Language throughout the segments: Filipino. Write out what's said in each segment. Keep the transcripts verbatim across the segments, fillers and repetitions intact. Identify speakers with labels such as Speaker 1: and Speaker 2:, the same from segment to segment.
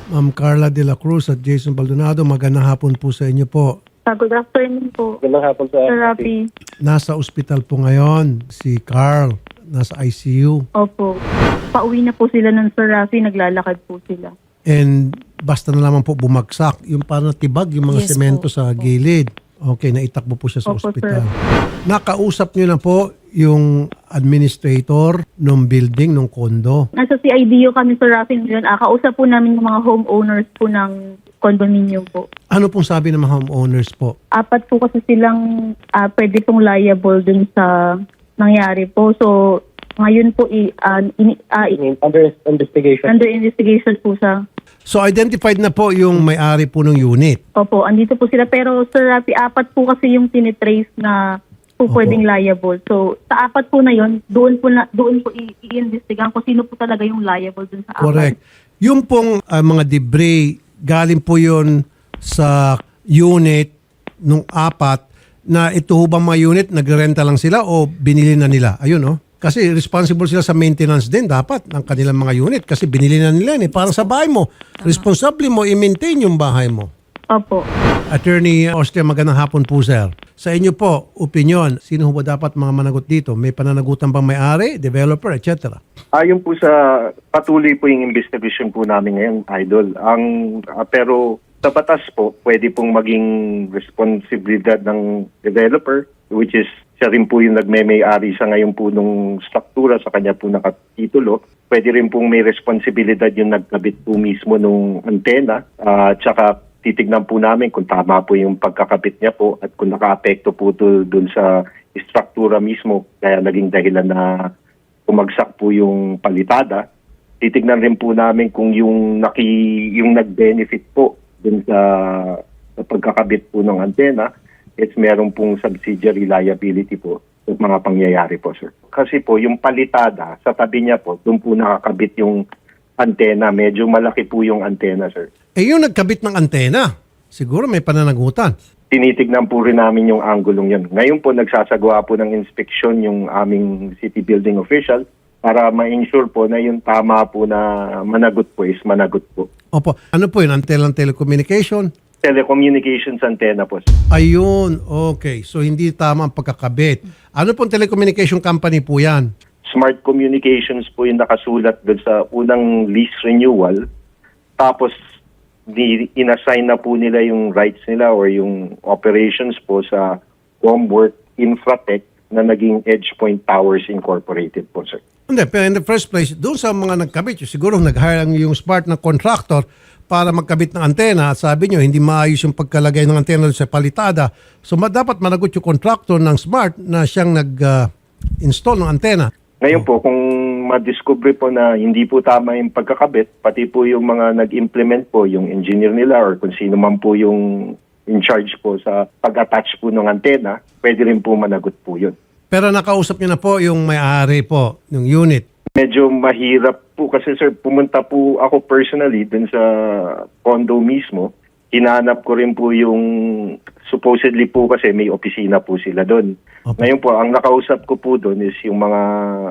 Speaker 1: Ma'am Carla De La Cruz at Jason Baldonado, magandang hapon po sa inyo po.
Speaker 2: Ah, good afternoon po,
Speaker 3: Magandang hapon sa
Speaker 2: Sir Rafi.
Speaker 1: Nasa ospital po ngayon si Carl, nasa I C U.
Speaker 2: Opo. Pauwi na po sila ng Sir Rafi, naglalakad po sila.
Speaker 1: And basta na lamang po bumagsak, yung parang natibag yung mga
Speaker 4: Yes
Speaker 1: semento
Speaker 4: po.
Speaker 1: sa gilid. Okay, naitakbo po siya sa
Speaker 2: Opo,
Speaker 1: ospital.
Speaker 2: sir.
Speaker 1: Nakausap niyo na po yung administrator ng building, ng kondo.
Speaker 2: Nasa C I D U kami, Sir Rafi, ngayon. Ah, kausap po namin yung mga homeowners po ng condominium po.
Speaker 1: Ano pong sabi ng mga homeowners po?
Speaker 2: Apat po kasi silang ah, pwede pong liable dun sa nangyari po. So, ngayon po, i, ah, ini, ah, i-
Speaker 3: under investigation.
Speaker 2: under investigation po sa...
Speaker 1: So identified na po yung may-ari po ng unit.
Speaker 2: Opo, andito po sila. Pero, Sir Rafi, apat po kasi yung tinitrace na po
Speaker 1: Opo.
Speaker 2: pwedeng liable. So, sa apat po na yon, doon po na doon po i- i-investigahan kung sino po talaga yung liable dun sa apat.
Speaker 1: Correct. Yung pong ah, mga debris, galing po yun sa unit nung apat na ito ho bang mga unit, nagrenta lang sila o binili na nila? Ayun oh. Kasi responsible sila sa maintenance din dapat ng kanilang mga unit kasi binili na nila yun eh. Parang sa bahay mo, responsable mo i-maintain yung bahay mo.
Speaker 2: Opo.
Speaker 1: Attorney Austria, magandang hapon po sir. Sa inyo po, opinion, sino ho ba dapat mga managot dito? May pananagutan bang may-ari, developer, et cetera?
Speaker 3: Ayon po sa patuloy po yung investigation po namin ngayon, Idol. Ang ah, pero sa batas po, pwede pong maging responsibilidad ng developer, which is siya rin po yung nagme-may-ari sa ngayon po nung struktura sa kanya po nakatitulo. Pwede rin pong may responsibilidad yung nagkabit po mismo nung antena. At saka titignan po namin kung tama po yung pagkakabit niya po at kung naka-apekto po to dun sa struktura mismo kaya naging dahilan na umagsak po yung palitada. Titignan rin po namin kung yung naki yung nag-benefit po dun sa, sa pagkakabit po ng antena, it's meron pong subsidiary liability po sa mga pangyayari po, sir. Kasi po yung palitada sa tabi niya po, doon po nakakabit yung antena. Medyo malaki po yung antena, sir.
Speaker 1: Eh yung nagkabit ng antena, siguro may pananagutan.
Speaker 3: Tinitignan po rin namin yung anggulong yun. Ngayon po nagsasagawa po ng inspection yung aming city building official para ma-ensure po na yung tama po na managot po is managot po.
Speaker 1: Opo, ano po yun? Antelang telecommunication?
Speaker 3: Telecommunications antenna po, sir.
Speaker 1: Ayun, okay. So hindi tama ang pagkakabit. Ano pong telecommunication company po yan?
Speaker 3: Smart Communications po yung nakasulat doon sa unang lease renewal. Tapos, di, inassign na po nila yung rights nila or yung operations po sa Comwork Infratech na naging EdgePoint Towers Incorporated po, sir.
Speaker 1: Hindi, pero in the first place, doon sa mga nagkabit, siguro nag-hire lang yung smart na contractor para magkabit ng antena at sabi nyo, hindi maayos yung pagkalagay ng antena doon sa palitada. So ma- dapat managot yung contractor ng smart na siyang nag-install ng antena.
Speaker 3: Ngayon po, kung madiscover po na hindi po tama yung pagkakabit, pati po yung mga nag-implement po, yung engineer nila or kung sino man po yung in charge po sa pag-attach po ng antena, pwede rin po managot po yun.
Speaker 1: Pero nakausap nyo na po yung may-ari po ng unit.
Speaker 3: Medyo mahirap po kasi sir, pumunta po ako personally dun sa condo mismo. Hinanap ko rin po yung supposedly po kasi may opisina po sila doon.
Speaker 1: Opo.
Speaker 3: Ngayon po, ang nakausap ko po doon is yung mga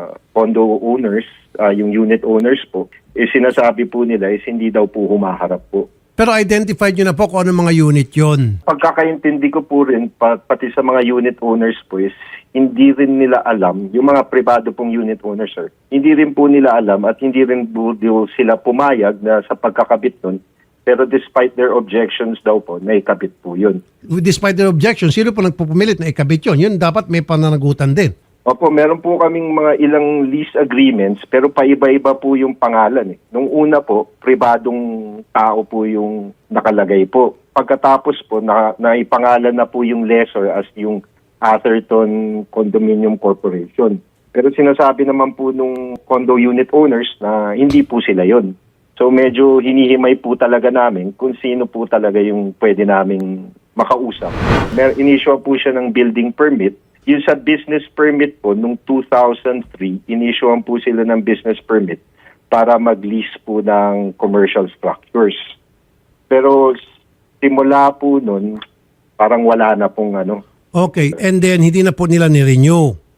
Speaker 3: condo owners, ah, yung unit owners po, is sinasabi po nila is hindi daw po humaharap po.
Speaker 1: Pero identified nyo na po kung ano mga unit yon.
Speaker 3: Pagkakaintindi ko po rin, pa- pati sa mga unit owners po is hindi rin nila alam, yung mga privado pong unit owners, sir, hindi rin po nila alam at hindi rin po sila pumayag na sa pagkakabit nun. Pero despite their objections daw po, naikabit po yun.
Speaker 1: Despite their objection, sino po nagpupumilit na ikabit yun? Yun dapat may pananagutan din.
Speaker 3: Opo, meron po kaming mga ilang lease agreements pero paiba-iba po yung pangalan. Eh. Nung una po, pribadong tao po yung nakalagay po. Pagkatapos po, na, naipangalan na po yung lessor as yung Atherton Condominium Corporation. Pero sinasabi naman po nung condo unit owners na hindi po sila yon. So medyo hinihimay po talaga namin kung sino po talaga yung pwede naming makausap. Mer inisyo po siya ng building permit. Yung sa business permit po, nung two thousand three, inisyoan po sila ng business permit para mag-lease po ng commercial structures. Pero simula po nun, parang wala na pong ano.
Speaker 1: Okay, and then hindi na po nila ni-renew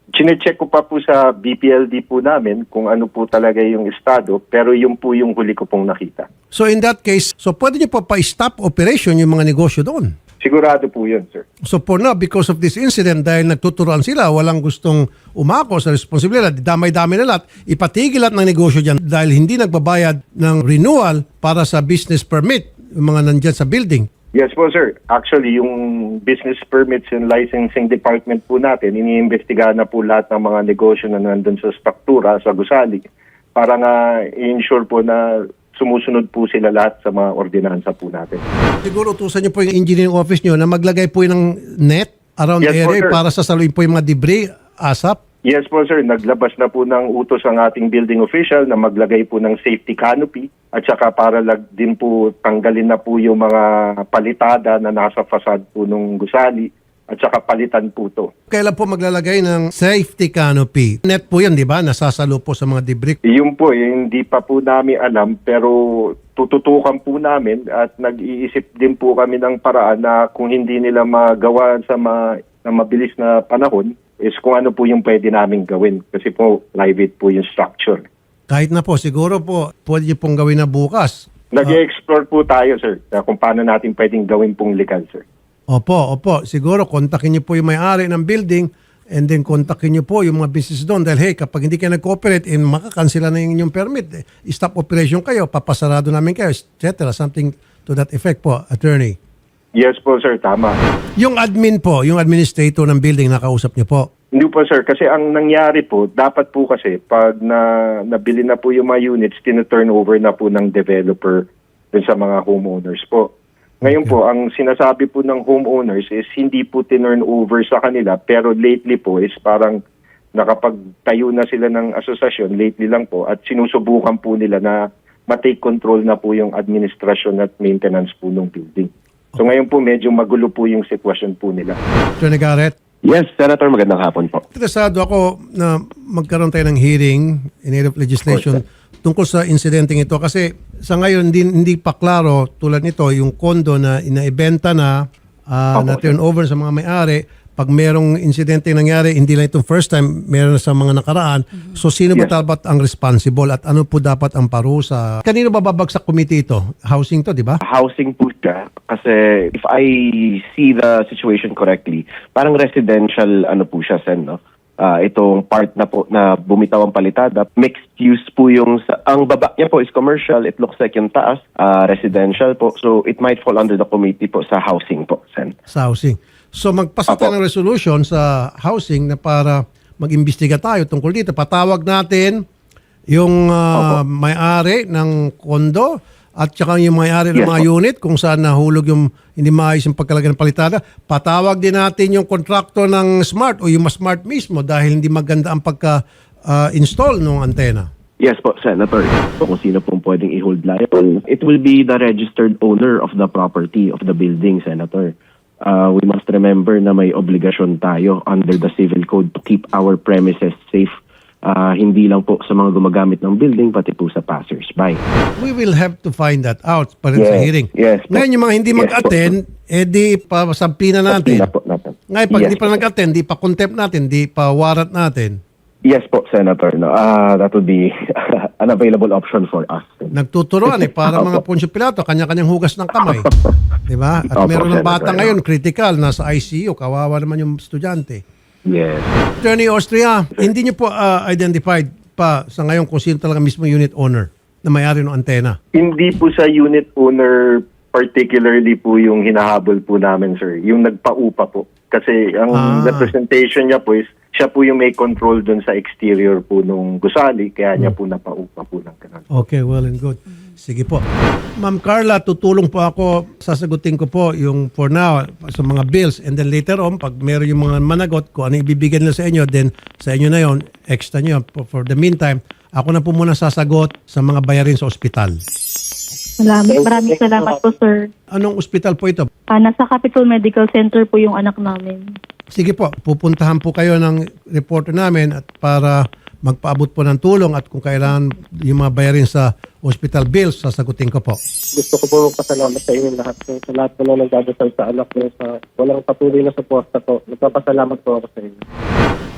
Speaker 3: Chine-check ko pa po sa B P L D po namin kung ano po talaga yung estado, pero yun po yung huli ko pong nakita.
Speaker 1: So in that case, so pwede niyo po pa-stop operation yung mga negosyo doon.
Speaker 3: Sigurado po yun, sir.
Speaker 1: So for now, because of this incident, dahil nagtuturoan sila, walang gustong umako sa responsibilidad, damay-dami na lahat, ipatigil lahat ng negosyo dyan dahil hindi nagbabayad ng renewal para sa business permit, yung mga nandyan sa building.
Speaker 3: Yes po, sir. Actually, yung business permits and licensing department po natin, iniimbestigahan na po lahat ng mga negosyo na nandun sa struktura, sa gusali, para nga i-ensure po na sumusunod po sila lahat sa mga ordinansa po natin.
Speaker 1: Siguro utusan niyo po yung engineering office niyo na maglagay po ng net around
Speaker 3: Yes
Speaker 1: the
Speaker 3: po,
Speaker 1: area
Speaker 3: sir.
Speaker 1: para sasaluin po yung mga debris, asap.
Speaker 3: Yes po, sir. Naglabas na po ng utos ang ating building official na maglagay po ng safety canopy at saka para lag din po tanggalin na po yung mga palitada na nasa fasad po ng gusali at saka palitan po to.
Speaker 1: Kailan po maglalagay ng safety canopy? Net po yan, di ba? Nasasalo po sa mga debris.
Speaker 3: Yun po, eh, hindi pa po namin alam pero tututukan po namin at nag-iisip din po kami ng paraan na kung hindi nila magawa sa ma, na mabilis na panahon is kung ano po yung pwede namin gawin kasi po private po yung structure.
Speaker 1: Kahit na po, siguro po, pwede niyo pong gawin na bukas.
Speaker 3: Nag-i-explore po tayo, sir, na kung paano natin pwedeng gawin pong legal, sir.
Speaker 1: Opo, opo. Siguro, kontakin niyo po yung may-ari ng building and then kontakin niyo po yung mga business doon dahil hey, kapag hindi kayo nag-cooperate, eh, makakansela na yung inyong permit. Eh, stop operation kayo, papasarado namin kayo, et cetera. Something to that effect po, attorney.
Speaker 3: Yes po, sir, tama.
Speaker 1: Yung admin po, yung administrator ng building, nakausap niyo po.
Speaker 3: Hindi po, sir, kasi ang nangyari po, dapat po kasi pag na, nabili na po yung mga units, tina-turn over na po ng developer dun sa mga homeowners po. Ngayon po, ang sinasabi po ng homeowners is hindi po tinurn over sa kanila, pero lately po is parang nakapagtayo na sila ng asosasyon, lately lang po, at sinusubukan po nila na matake control na po yung administrasyon at maintenance po ng building. So ngayon po, medyo magulo po yung sitwasyon po nila.
Speaker 1: Attorney Garrett,
Speaker 4: Yes, Senator, magandang hapon po.
Speaker 1: interesado ako na magkaroon tayo ng hearing in aid of legislation tungkol sa insidenteng ito kasi sa ngayon hindi, hindi pa klaro tulad nito yung kondo na inaibenta na uh,
Speaker 3: Opo,
Speaker 1: na turn over sa mga may-ari. Pag merong insidente nangyari, hindi lang itong first time, meron na sa mga nakaraan. So sino ba
Speaker 3: Yes.
Speaker 1: dapat ang responsible at ano po dapat ang parusa? Kanino ba babagsak committee ito? Housing to, di ba?
Speaker 4: Housing po siya kasi if I see the situation correctly, parang residential ano po siya, Sen, no? Ah, itong part na po na bumitaw ang palitada, mixed use po yung, sa, ang baba niya po is commercial, it looks like yung taas, ah, residential po. So it might fall under the committee po sa housing po, Sen.
Speaker 1: Sa housing. So magpasa tayo
Speaker 4: Apo.
Speaker 1: ng resolution sa housing na para mag-imbestiga tayo tungkol dito. Patawag natin yung ah, may-ari ng kondo at saka yung may-ari ng
Speaker 4: Yes,
Speaker 1: mga
Speaker 4: po.
Speaker 1: unit kung saan nahulog yung hindi maayos yung pagkalagay ng palitada. Patawag din natin yung kontraktor ng smart o yung mas smart mismo dahil hindi maganda ang pagka-install ng antena.
Speaker 4: Yes po, Senator. So, kung sino pong pwedeng i-hold liable, it will be the registered owner of the property of the building, Senator. Uh, we must remember na may obligasyon tayo under the civil code to keep our premises safe. Uh, hindi lang po sa mga gumagamit ng building, pati po sa passers-by.
Speaker 1: We will have to find that out pa rin sa
Speaker 4: Yes,
Speaker 1: hearing.
Speaker 4: yes po.
Speaker 1: Ngayon yung mga hindi
Speaker 4: Yes po.
Speaker 1: mag-attend, eh di pasampina natin.
Speaker 4: Sabihin na po natin.
Speaker 1: Ngayon pag
Speaker 4: Yes
Speaker 1: di pa
Speaker 4: po.
Speaker 1: nag-attend, di pa contempt natin, di pa warrant natin.
Speaker 4: Yes po, Senator. No? Uh, that would be an available option for us.
Speaker 1: Nagtuturoan eh, para mga
Speaker 4: Opo.
Speaker 1: Poncio Pilato, kanya-kanyang hugas ng kamay. Di ba? At
Speaker 4: Opo,
Speaker 1: meron ng
Speaker 4: Senator.
Speaker 1: bata ngayon, critical, nasa I C U, kawawa naman yung estudyante.
Speaker 4: Yes.
Speaker 1: Attorney Austria, hindi niyo po ah, identified pa sa ngayon kung sino talaga mismo unit owner na may-ari ng antena.
Speaker 3: Hindi po sa unit owner particularly po yung hinahabol po namin, sir. Yung nagpaupa po. Kasi ang
Speaker 1: Ah.
Speaker 3: representation niya po is siya po yung may control dun sa exterior po nung gusali kaya niya po napaupa po ng ganun.
Speaker 1: Okay, well and good. Sige po. Ma'am Carla, tutulong po ako, sasagutin ko po yung for now sa mga bills and then later on, pag meron yung mga managot, kung ano ibibigay nila sa inyo, then sa inyo na yon extra nyo. For, for the meantime, ako na po muna sasagot sa mga bayarin sa ospital.
Speaker 2: Maraming, maraming salamat po, sir.
Speaker 1: Anong ospital po ito?
Speaker 2: Ah, nasa Capital Medical Center po yung anak namin.
Speaker 1: Sige po, pupuntahan po kayo ng reporter namin at para magpaabot po ng tulong at kung kailangan yung mga bayarin sa hospital bills, sasagutin ko po.
Speaker 5: Gusto ko po pasalamat sa inyo lahat. So, sa lahat po na nagdadasal sa anak ko, sa walang patuloy na suporta po. Nagpapasalamat po ako sa inyo.